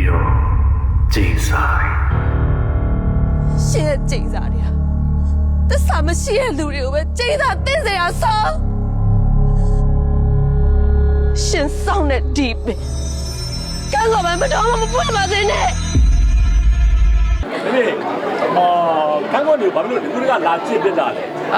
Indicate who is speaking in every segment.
Speaker 1: ပြောကြည်စား
Speaker 2: ရှင်းတဲ့ကြိတ်စားတွေကတစ္ဆာမရှိတဲ့လူတွေကိုပဲကြိတ်စားသိစေရဆောရှင်းဆောင်တဲ့ဒီပင်ကံကောပဲမတော်မပွင့်ပါစေနဲ့
Speaker 3: ဒီခန်းကောနေဘာလို့ဒီကူကလာချစ်ပြတာလဲ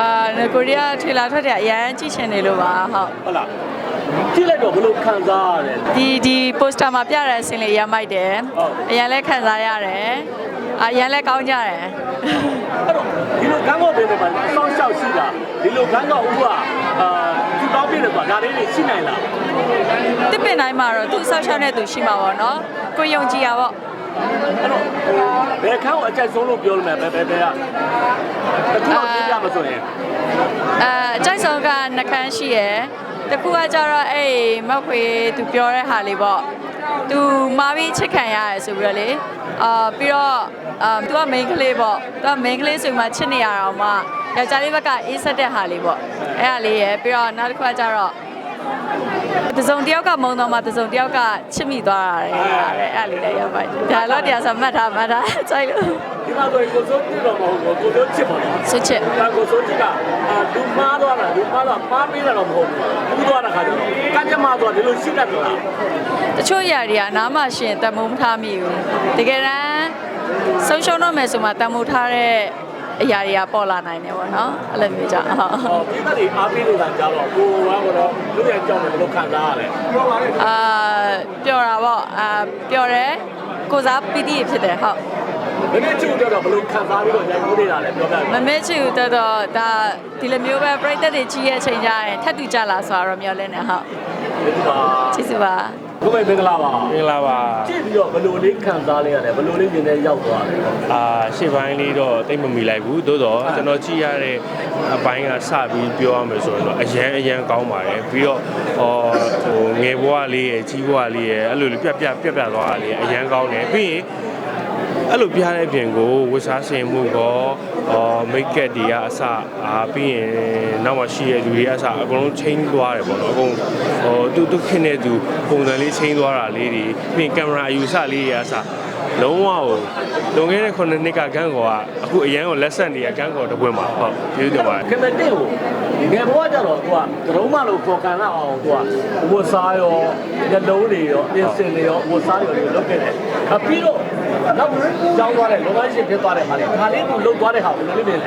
Speaker 4: ကိုရီးယားထေလာထွက်တဲ့အရန်ကြည့်ချင်နေလို့ပါဟုတ်
Speaker 3: လားကြည့်လိုက်တော့ဘလို့ခံစားရတယ်
Speaker 4: ဒီပိုစတာမှာပြတဲ့အစင်းလေးရမိုက်တယ်အရန်လဲခံစားရတယ်အရန်လဲကောင်းကြတယ်
Speaker 3: အဲ့တော့ဒီလိုခန်းကောပင်တွေမှာအဆောင်ရှောက်ရှိတာဒီလိုခန်းကောဥပသူတောင်းပြတယ်ဆိုတာဒါလေးတွေရှိနိုင်လား
Speaker 4: တစ်ပင်တိုင်းမှာတော့သူဆောက်ရှောက်တဲ့သူရှိမှာပေါ့နော်ကိုယုံကြည်ရပေါ့
Speaker 3: အဲ့တော့ဘယ်ခန်းကိုအကြိုက်ဆုံးလို့ပြောလို့မယ်ဘယ်ကတခုတော့ပြမဆိုရင်
Speaker 4: အကြိုက်ဆုံးကနှခမ်းရှိရယ်တခုကကြတော့အဲ့မောက်ခွေသူပြောတဲ့ဟာလေးပေါ့သူမာပြီးချစ်ခံရတယ်ဆိုပြီးတော့လေပြီးတော့သူက main ကလေးပေါ့သူက main ကလေးဆိုမှချစ်နေရအောင်မှယောက်ျားလေးဘက်ကအေးဆက်တဲ့ဟာလေးပေါ့အဲ့ဟာလေးရယ်ပြီးတော့နောက်တစ်ခုကကြတော့တစုံတယောက်ကမုံတော့မှတစုံတယောက်ကချစ်မိသွားတာလေအဲ့လေးလည်းရောက်ပါတယ်ဒါတော့တရားဆိုမှတ်ထားကြိုက်လို့
Speaker 3: ဒီမှာဆိုကိုစိုးကြည့်တော့မဟုတ်ဘူးကိုစိုးချစ်ပါလား
Speaker 4: ချစ်
Speaker 3: ဒါကိုစိုးကြည့်ကလူမားသွားတာမားပေးတာတော့မဟုတ်ဘူးဘူးသွားတာခါကျတော့ကကြမှာသွားဒီလိုရှိတတ်လား
Speaker 4: တချို့ຢာတွေကနားမှရှင်တမိုးမထားမိဘူးတကယ်တမ်းဆုံးရှုံးတော့မယ်ဆိုမှတမိုးထားတဲ့အရာတွေကပေါ်လာနိုင်တယ်ပေါ့နော်အဲ့လိုမျိုးကြောင့်
Speaker 3: ဟုတ်ဒီတက်တွေအားပေးနေတာကြတော့ကိုကတော့လူရဲ့ကြောင်းတယ်ဘယ်လိုခံစားရလဲ
Speaker 4: ပျော်တာပေါ့ပျော်တယ်ကိုစားပီတိဖြစ်တယ်ဟုတ်
Speaker 3: မမေချူတော့ဘယ်လိုခံစားပြီးတော့ညှိုးနေတာလဲပြောပြ
Speaker 4: မမေချူတော့ဒါဒီလိုမျိုးပဲပြိသက်တွေကြီးရဲ့အချိန်ကြရင်ထပ်တူကြလာဆိုတော့မျောလင်းနေဟုတ်ကျေးဇူးပါ
Speaker 3: ဘုမေမင်္ဂလာပါ
Speaker 5: မင်္ဂလာပါ
Speaker 3: ကြည့်ပြီးတော့ဘယ်လိုလေးခံစားလိုက်ရတယ်ဘယ်လိုလေးမြင်နေရောက်သွားလဲ
Speaker 5: ရှေ့ပိုင်းလေးတော့တိတ်မမီလိုက်ဘူးသို့တော့ကျွန်တော်ကြည့်ရတဲ့အပိုင်းကစပြီးပြောရမယ်ဆိုရင်တော့အရန်ကောင်းပါတယ်ပြီးတော့ငယ်ဘဝလေးရယ်ကြီးဘဝလေးရယ်အဲ့လိုပြတ်သွားတာလေးအရန်ကောင်းတယ်ပြီးရင်အဲ့လိုပြတဲ့အပြင်ကိုဝတ်စားဆင်မှုကောမိတ်ကက်တွေကအစပြီးရင်နောက်မှရှိရလူတွေအစအကုန်လုံးချင်းသွားတယ်ပေါ့နော်အကုန်သူခင်တဲ့သူပုံစံလေးချင်းသွားတာလေးတွေပြီးရင်ကင်မရာအယူဆလေးတွေအစလုံးဝကိုလွန်ခဲ့တဲ့9နှစ်ကဂန်းကောကအခုအရန်ကိုလက်ဆက်နေရဂန်းကောတပွင့်မှာဟုတ်ကျေးဇူးတင်ပါတယ်
Speaker 3: ခင်မတင်ကိုငယ်ဘဝကျတော့သူကဒရုံးမလို့ပေါ်ကန်လာအောင်သူကဝတ်စားရောညလုံးတွေရောပြင်စင်တွေရောဝတ်စားတွေရောလုပ်ခဲ့တယ်ပြီးတော့နောက်ကြောင်းသွားတဲ့လုပ်ငန်းရှင်ဖြစ်သွားတဲ့ဟာလေခါလေးကိုလှုပ်သွားတဲ့ဟာဘယ်လိုလုပ်လဲ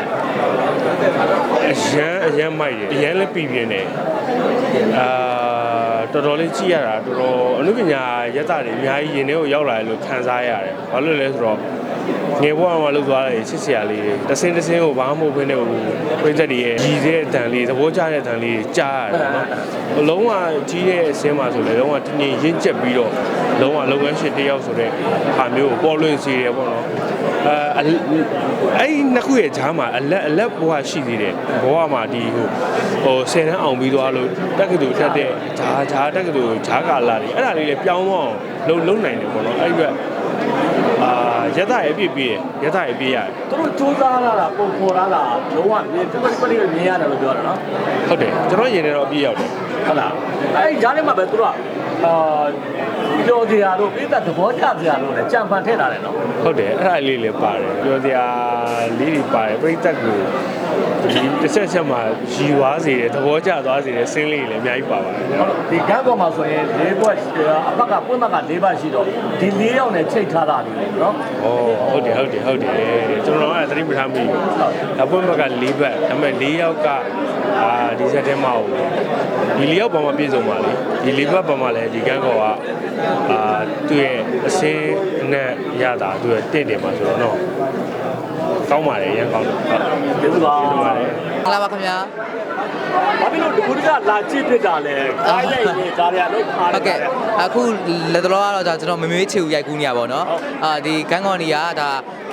Speaker 5: အရန်မိုက်တယ်အရန်လည်းပြည်ပြင်းတယ်တော်တော်လေးကြည့်ရတာတော်တော်အနုပညာရက်တာတွေအများကြီးရင်ထဲကိုရောက်လာတယ်လို့ခံစားရတယ်။ဘာလို့လဲဆိုတော့ငယ်ဘဝမှာလှုပ်သွားတဲ့ချစ်စရာလေးတွေတစင်းကိုဘာမှမဟုတ်ဘဲနဲ့ပြိသက်တွေရဲ့ရည်စဲအတန်လေးသဘောကျတဲ့အတန်လေးကြားရတယ်နော်။လုံးဝကြီးတဲ့အစင်းမှာဆိုလေလုံးဝတင်းတင်းရင့်ကျက်ပြီးတော့လုံးဝလုပ်ငန်းရှင်တစ်ယောက်ဆိုတဲ့ဟာမျိုးကိုပေါ်လွင်စေတယ်ပေါ့နော်။အဲ့ဒီနှစ်ခုရဲ့ဂျားမှာအလက်ဘဝရှိသေးတယ်။ဘဝမှာဒီ10တန်းအောင်ပြီးသွားလို့တက္ကသိုလ်တက်တဲ့ဂျားတက္ကသိုလ်ဂျားကာလာတွေအဲ့ဒါလေးလည်းပြောင်းသွားအောင်လုံးနိုင်တယ်ပေါ့နော်အဲ့ဒီကရက်သားရဲ့ပြည့်ရက်သားရဲ့ပြည့်ရတယ်
Speaker 3: သူတို့စူးစမ်းလာတာပုံဖော်လာတာလုံးဝမြင်ပြည့်မြင်ရတယ်လို့ပြောတာနော်
Speaker 5: ဟုတ်တယ်ကျွန်တော်ရင်ထဲတော့အပြည့်ရောက်တယ်
Speaker 3: ဟုတ်လားအဲ့ဒီဂျားထဲမှာပဲသူတို့ကပြောစရာတို့ပြည်သက်သဘောကျစရာတို့လည်းကြံဖန်ထည့်လာတယ်နော်
Speaker 5: ဟုတ်တယ်အဲ့ဒါလေးလည်းပါတယ်ပြောစရာလေးတွေပါတယ်ပြည်သက်ကိုဒီတစ်ချက်မှာရီဝါစေတယ်သဘောကျသွားစေတယ်စင်းလေးတွေလည်းအများကြီးပါပါတယ်
Speaker 3: ဒီကန်းပေါ်မှာဆိုရင်၄ဘက်အဖက်ကပွင့်ဘက်က၄ဘက်ရှိတော့ဒီ၄ယောက်နဲ့ချိတ်ထားတာလေးနော်
Speaker 5: ဟုတ်တယ်ကျွန်တော်ကသတိမထားမိဘူးအပွင့်ဘက်က၄ဘက်ဒါပေမဲ့၄ယောက်ကဒီဆက်ထဲမှာဒီ၄ယောက်ပေါ်မှာပြည့်စုံပါလေဒီ၄ဘက်ပေါ်မှာလည်းဒီကန်းကောကသူ့ရဲ့အစင်းနဲ့ရတာသူ့ရဲ့တင့်တယ်မှာဆိုတော့နော်ကောင်းပါတယ်ရန်ကောင်းတယ်ဟုတ်
Speaker 3: ကျေးဇူးပါ
Speaker 4: ပါတယ်မလာပါခင်ဗျာ
Speaker 3: ဘာဖြစ်လို့ဒီခုကလာကြည့်ဖြစ်တာလဲခိုင်းလိုက်ရင်ဒါတွေကလုံးထားတယ်
Speaker 6: ဟုတ်ကဲ့အခုလက်တော်ကတော့ကျွန်တော်မမေးချေကိုရိုက်ကူးနေရပါတော့ဒီကန်းကော်နီကဒါ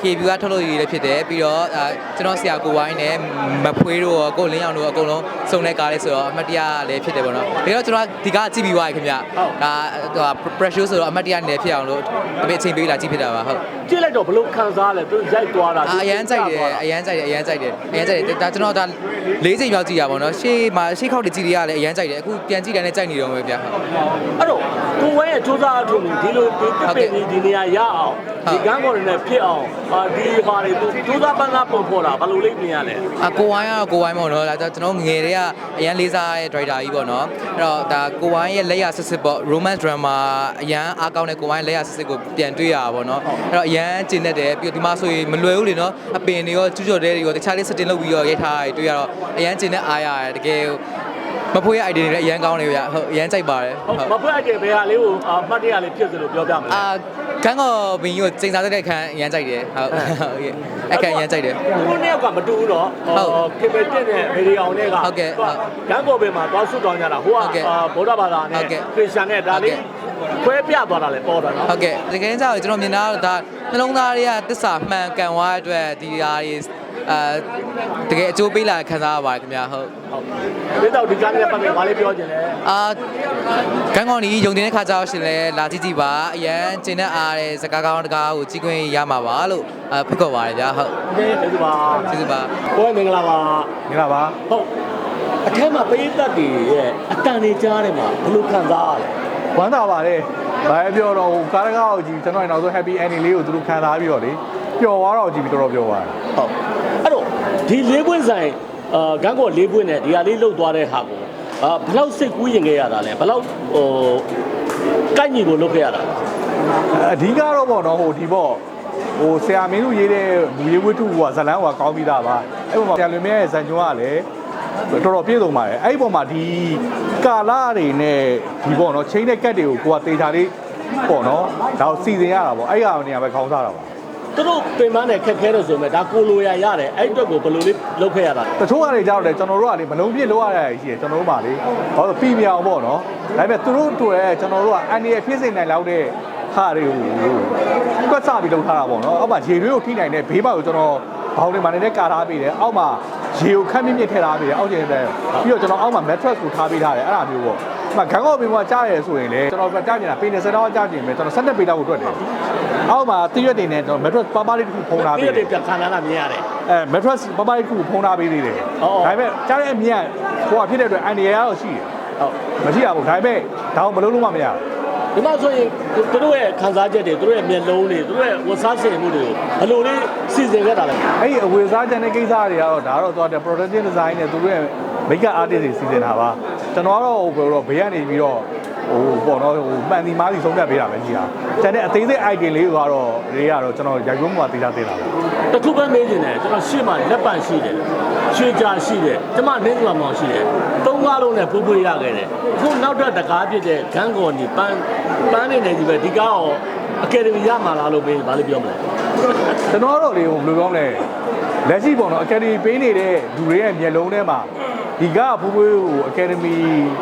Speaker 6: KBU ကထုတ်လို့ရည်လည်းဖြစ်တယ်ပြီးတော့ကျွန်တော်ဆရာကိုဝိုင်းနဲ့မဖွေးတို့ကိုလင်းအောင်တို့အကုန်လုံးစုံတဲ့ကားလေးဆိုတော့အမတ်တရားလည်းဖြစ်တယ်ပေါ့နော်ဒါတော့ကျွန်တော်ဒီကားကြည့်ပြီးသွားပြီခင်ဗျဒါ pressure ဆိုတော့အမတ်တရားနဲ့ဖြစ်အောင်လို့တပည့်အချိန်ပေးလာကြည့်ဖြစ်တာပါဟုတ်
Speaker 3: ကြည့်လိုက်တော့ဘလို့ခံစားလဲသူရိုက်သွားတာ
Speaker 6: အရန်ကြိုက်တယ်အရန်ကြိုက်တယ်ဒါကျွန်တော်ဒါ၄ချိန်မြောက်ကြည့်ရပါတော့ရှေ့ခောက်တကြည့်ရလဲအရန်ကြိုက်တယ်အခုပြန်ကြည့်တယ်နဲ့ကြိုက်နေတော့ပဲဗျာ
Speaker 3: အဲ့တော့ကိုဝဲရဲ့စူးစမ်းအထုံဒီလိုဒီနေရာရအောင်ဒီကန်းကော်တွေနဲ့ဖြစ်အောင်ဒီဟာတွေသူစူးစမ်းပန်းစားပုံဖော်တာဘယ်လိုလိမ့်မြင်ရလဲ
Speaker 6: ကိုဝိုင်းကတော့ကိုဝိုင်းပေါ့နော်ဒါကျွန်တော်ငယ်တည်းကအရန်လေးစားရဲ့ driver ကြီးပေါ့နော်အဲ့တော့ဒါကိုဝိုင်းရဲ့လက်ရစစ်စစ်ပေါ့ romance drama အရန်အားကောင်းတဲ့ကိုဝိုင်းလက်ရစစ်စစ်ကိုပြန်တွေ့ရတာပေါ့နော်အဲ့တော့အရန်ကျင်တတ်တယ်ပြီးတော့ဒီမှာဆိုရင်မလွယ်ဘူးလေနော်အပင်တွေရောကျူးကျော်တဲတွေရောတခြားလေး setting လုပ်ပြီးတော့ရိုက်ထားရတွေ့ရတော့အရန်ကျင်တဲ့အားရတယ်တကယ်မဖွေးရဲ့ idea တွေလည်းအရန်ကောင်းနေဗျာဟုတ်အရန်ကြိုက်ပါတယ်
Speaker 3: မဖွေးအကျယ်ဘယ်ဟာလေးကိုမှတ်တရလေးဖြစ်စလို့ပြောပြမလဲ
Speaker 6: ခန်းကောဘင်းကြီးကိုစိန်စားတဲ့အခန်းအရန်ကြိုက်တယ်ဟုတ်အခန်းအရန်ကြိုက်တယ်
Speaker 3: ခုနှစ်ယောက်ကမတူဘူးနော်ကေပတင်နဲ့ဗီဒီယိုနဲ့ကကန်းကော်ဘယ်မှာသွားဆွတောင်းကြတာဟိုကဗုဒ္ဓဘာသာနဲ့ခရစ်ယာန်နဲ့ဒါလေးခွဲပြသွားတာလေပေါ်တာနော်
Speaker 6: ဟုတ်ကဲ့တကယ်ကြောင့်ကျွန်တော်မြင်တာဒါနှလုံးသားတွေကတစ္ဆာမှန်ကန်သွားတဲ့အတွက်ဒီဟာတွေတကယ်အကျိုးပေးလာခံစားရပါတယ်ခင်ဗျာဟုတ်
Speaker 3: ဒီတော့ဒီကနေ့ပတ်သက်ဘာလေးပြောချင်လဲ
Speaker 6: ကန်းကောင်းကြီးယုံတင်တဲ့ခါကျတော့ရှင်လဲလာကြည့်ကြည့်ပါအရန်ကျင်းတဲ့အားတဲ့စကားကောင်းတကားကိုကြီးခွင့်ရမှာပါလို့ဖိတ်ခေါ်ပါတယ်ဗျာဟုတ်
Speaker 3: โอเคကျေးဇူးပါ
Speaker 6: ကျေးဇူးပါ
Speaker 3: ကိုယ်မင်္ဂလာပါ
Speaker 7: မင်္ဂလာပါ
Speaker 3: ဟုတ်အထက်မှာပရိသတ်တွေရဲ့အတန်တွေကြားထဲမှာဘယ်လိုခံစားရလဲ
Speaker 7: ဝမ်းသာပါတယ်ဘာပဲပြောတော့ကားတကားကိုကြည့်ကျွန်တော်နောက်ဆုံး happy ending လေးကိုသူတို့ခံစားပြီးတော့လေပျော်သွားတော့ကြည့်ပြီးတော်တော်ပျော်ပါတယ်
Speaker 3: ဟုတ်အဲ့တော့ဒီလေးပွင့်ဆိုင်ဂန်းကောလေးပွင့်နဲ့ဒီဟာလေးလှုပ်သွားတဲ့ဟာကိုဘယ်လောက်စိတ်ကူးရင်ခဲ့ရတာလဲဘယ်လောက်ကိုက်ညီကိုလုပ်ခဲ့ရတာ
Speaker 7: အဓိကတော့ပေါ့နော်ဟိုဒီပေါ့ဟိုဆရာမင်းတို့ရေးတဲ့လူရေးဝတ္ထုကဇလန်းကကောင်းပြီးသားပါအဲ့ပေါ်မှာဆရာလွင်မြတ်ရဲ့ဇန်ကျွန်းကလည်းတော်တော်ပြည့်စုံပါတယ်အဲ့ဒီပေါ်မှာဒီကာလာတွေနဲ့ဒီပေါ့နော်ချင်းတဲ့ကတ်တွေကိုကိုကတေချာလေးပေါ့နော်ဒါကိုစီစဉ်ရတာပေါ့အဲ့ဒီကနေရာပဲခေါင်းစားတာပါ
Speaker 3: သူတို့ပင်မနဲ့ခက်ခဲလို့ဆိုမဲ့ဒါကိုလိုရရတယ်အဲ့အတွက်ကိုဘယ်လိုလေးလုပ်ခဲ့ရတာ
Speaker 7: တချို့ကနေကြောက်တယ်ကျွန်တော်တို့ကလေမလုံးပြည့်လောက်ရတာရှိတယ်ကျွန်တော်တို့ပါလေဘာလို့ပြီးမြောင်ပေါ့နော်ဒါပေမဲ့သူတို့တွေ့ရဲကျွန်တော်တို့ကအန်ဒီရဲ့ဖြစ်စိနိုင်လောက်တဲ့ဟာတွေကိုကွက်စပြီးလုပ်ထားတာပေါ့နော်အောက်မှာရေတွေးကိုထိနိုင်တဲ့ဘေးပေါက်ကိုကျွန်တော်ဘောင်းတွေမှာနေတဲ့ကာထားပေးတယ်အောက်မှာရေကိုခက်မြင့်မြင့်ထည့်ထားပေးတယ်အောက်ကျင်းတဲ့ပြီးတော့ကျွန်တော်အောက်မှာ mattress ကိုထားပေးထားတယ်အဲ့ဒါမျိုးပေါ့ဒီမှာဂန်းကော့ပင်ကကြားရဲဆိုရင်လေကျွန်တော်ကြားနေတာပေ20တောင်းကြားနေမယ်ကျွန်တော်17ပေလောက်ကိုတွက်တယ်အောက်မှာတရွက်တွေနဲ့ကျွန်တော် mattress ပါပါလေးတစ်ခုဖုံးထားပေးတယ်
Speaker 3: ဒီပြန်ခံလာတာမြင်ရတယ်
Speaker 7: mattress ပါပါလေးတစ်ခုဖုံးထားပေးသေးတယ်ဒါပေမဲ့ကြားတဲ့အမြတ်ဟိုကဖြစ်တဲ့အတွက်အန်ဒီရကတော့ရှိတယ်ဟုတ်မရှိရဘူးဒါပေမဲ့ဒါအောင်မလုပ်လို့မှမရဘူး
Speaker 3: ဒီမှာဆိုရင်သူတို့ရဲ့ခံစားချက်တွေသူတို့ရဲ့မျက်လုံးတွေသူတို့ရဲ့ဝတ်စားစင်မှုတွေကိုဘယ်လိုလေးစီစဉ်ခဲ့တာလဲ
Speaker 7: အဲ့ဒီအဝေစားချန်တဲ့ကိစ္စတွေကတော့ဒါတော့သွားတဲ့ production design နဲ့သူတို့ရဲ့ makeup artist တွေစီစဉ်တာပါကျွန်တော်ကတော့ဟိုဘေးကနေပြီးတော့ဟိုပေါ့နော်ဟိုမှန်ဒီမားစီဆုံးဖြတ်ပေးတာပဲကြီးဟာကျန်တဲ့အသေးစိတ် item လေးတွေကတော့ကျွန်တော်ရိုက်ရုံးမှာတင်တာတင်တာပါ
Speaker 3: တခုပဲမေးနေတယ်ကျွန်တော်ရှေ့မှာလက်ပံရှိတယ်ရွှေကြာရှိတယ်ကျမနင်းကမောင်ရှိတယ်သုံးကားလုံးနဲ့ဖိုးဖွေးရခဲ့တယ်အခုနောက်ထပ်တကားပြည့်တဲ့ဂန်းကော်နီပန်းနေနေကြီးပဲဒီကားရောအကယ်ဒမီရမှာလားလို့မေးဘာလို့ပြောမလဲ
Speaker 7: ကျွန်တော်တို့လေဟိုဘယ်လိုပြောမလဲလက်ရှိပေါ့နော် academy ပေးနေတဲ့လူတွေရဲ့မျက်လုံးထဲမှာဒီကဖိုးဖွေးကို academy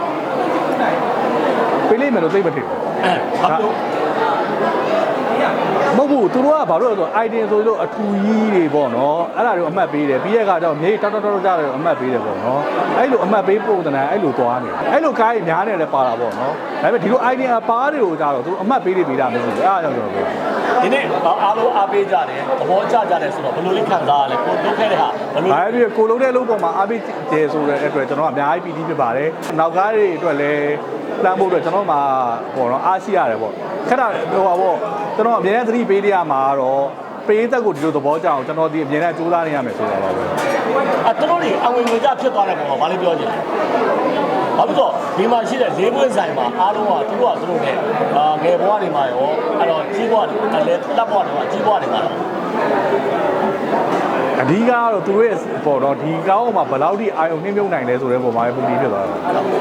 Speaker 7: ပေးလိမ့်မယ်လို့သိမထင်ဘူး
Speaker 3: ဘာလို့
Speaker 7: မဟုတ်ဘူးသူတို့ကဘာလို့လဲဆိုတော့ item ဆိုလို့အထူကြီးတွေပေါ့နော်အဲ့ဒါတွေအမှတ်ပေးတယ်ပြီးရဲ့အခါကျတော့မြေတောက်ကြတယ်အမှတ်ပေးတယ်ပေါ့နော်အဲ့လိုအမှတ်ပေးပုံသဏ္ဍာန်အဲ့လိုသွားနေအဲ့လိုကားကြီးများနေလည်းပါတာပေါ့နော်ဒါပေမဲ့ဒီလို item အပါးတွေကိုကြတော့သူအမှတ်ပေးနေပေးတာမရှိဘူးအဲ့ဒါကြောင့်ကျွန်တော်ပြော
Speaker 3: ဒီနေ့အားလုံးအားပေးကြတယ်သဘောကျကြတယ်ဆိုတော့ဘယ်လိုလေးခံစားရလဲကိုလုပ်ခဲ့တဲ့ဟာဘယ်လို
Speaker 7: ဘာဖြစ်ကိုလုံးတဲ့လုံးပေါ်မှာအားပေးတယ်ဆိုတဲ့အတွက်ကျွန်တော်ကအများကြီးပီတိဖြစ်ပါတယ်နောက်ကားတွေအတွက်လည်းလမ်းဖို့အတွက်ကျွန်တော်မှာပေါ့နော်အားရှိရတယ်ပေါ့ခက်တာဟိုပါပေါ့ကျွန်တော်အများနဲ့သတိပေးရမှာတော့ပေးသက်ကိုဒီလိုသဘောကျအောင်ကျွန်တော်ဒီအမြင်နဲ့စူးစမ်းနေရမယ်ဆိုတာပါပဲ
Speaker 3: သူတို့တွေအဝင်ငွေကြဖြစ်သွားတဲ့ပုံမှာဘာလို့ပြောချင်လဲဘာလို့ဆိုဒီမှာရှိတဲ့လေးပွင့်ဆိုင်မှာအားလုံးကသူတို့နဲ့ငယ်ဘဝတွေမှာရောအဲ့တော့ကြီးဘဝတွေလည်းလက်ဘဝတွေမှာကြီးဘဝတွေမှာ
Speaker 7: အဓိကတော့သူတို့ရဲ့ပေါ့နော်ဒီကောင်းအောင်မှာဘယ်လောက်ထိအာယုံနှိမ့်မြုပ်နိုင်လဲဆိုတဲ့ပုံမှာပဲပုံပြီးဖြစ်သွားတာ